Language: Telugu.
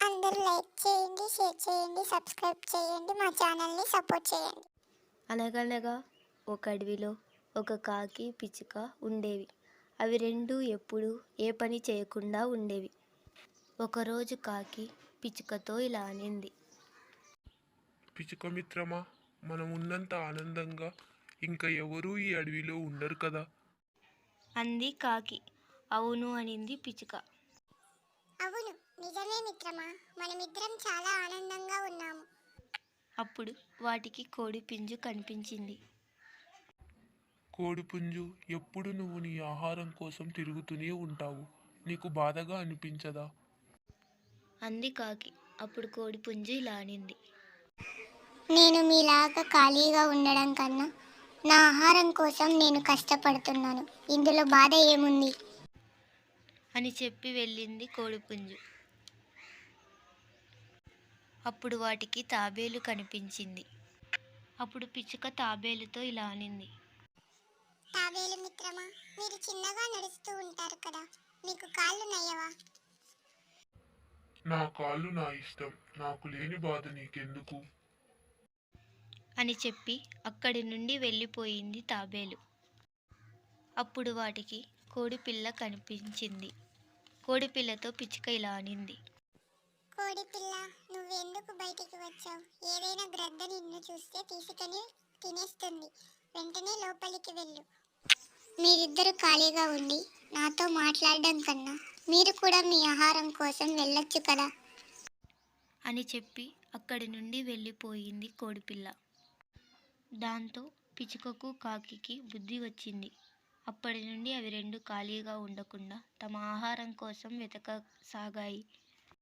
అందరూ లైక్ చేయండి, షేర్ చేయండి, సబ్స్క్రైబ్ చేయండి, మా ఛానల్ని సపోర్ట్ చేయండి. అనగనగా ఒక అడవిలో ఒక కాకి పిచ్చుక ఉండేవి. అవి రెండూ ఎప్పుడూ ఏ పని చేయకుండా ఉండేవి. ఒకరోజు కాకి పిచ్చుకతో ఇలా అనింది. పిచ్చుక మిత్రమా, మనం ఉన్నంత ఆనందంగా ఇంకా ఎవరూ ఈ అడవిలో ఉండరు కదా. అంది కాకి. అవును అనింది పిచ్చుక. అవును, నిజమే మిత్రమా, మనమిద్దరం చాలా ఆనందంగా ఉన్నాము. అప్పుడు వాటికి కోడి పుంజు కనిపించింది. కోడిపుంజు, ఎప్పుడు నువ్వు నీ ఆహారం కోసం తిరుగుతూనే ఉంటావు. నీకు బాధగా అనిపించదా? అంది కాకి. అప్పుడు కోడి పుంజు ఇలా అనింది. నేను మీలాగా ఖాళీగా ఉండడం కన్నా నా ఆహారం కోసం నేను కష్టపడుతున్నాను. ఇందులో బాధ ఏముంది? అని చెప్పి వెళ్ళింది కోడిపుంజు. అప్పుడు వాటికి తాబేలు కనిపించింది. అప్పుడు పిచ్చుక తాబేలుతో ఇలా అనింది. తాబేలు మిత్రమా, మీరు చిన్నగా నడుస్తూ ఉంటారు కదా, మీకు కాళ్ళు నయ్యవా? నా కాళ్ళు నా ఇష్టం, నాకు లేని బాధ నీకెందుకు? అని చెప్పి అక్కడి నుండి వెళ్ళిపోయింది తాబేలు. అప్పుడు వాటికి కోడిపిల్ల కనిపించింది. కోడిపిల్లతో పిచ్చుక ఇలా అనింది. కోడి పిల్ల, నువ్వెందుకు బయటికి వచ్చావు? ఏదైనా గ్రద్ద నిన్ను చూస్తే తీసుకొని తినేస్తుంది. వెంటనే లోపలికి వెళ్ళు. మీరిద్దరు ఖాళీగా ఉండి నాతో మాట్లాడడం కన్నా మీరు కూడా మీ ఆహారం కోసం వెళ్ళొచ్చు కదా. అని చెప్పి అక్కడి నుండి వెళ్ళిపోయింది కోడిపిల్ల. దాంతో పిచ్చుకకు కాకికి బుద్ధి వచ్చింది. అప్పటి నుండి అవి రెండు ఖాళీగా ఉండకుండా తమ ఆహారం కోసం వెతకసాగాయి.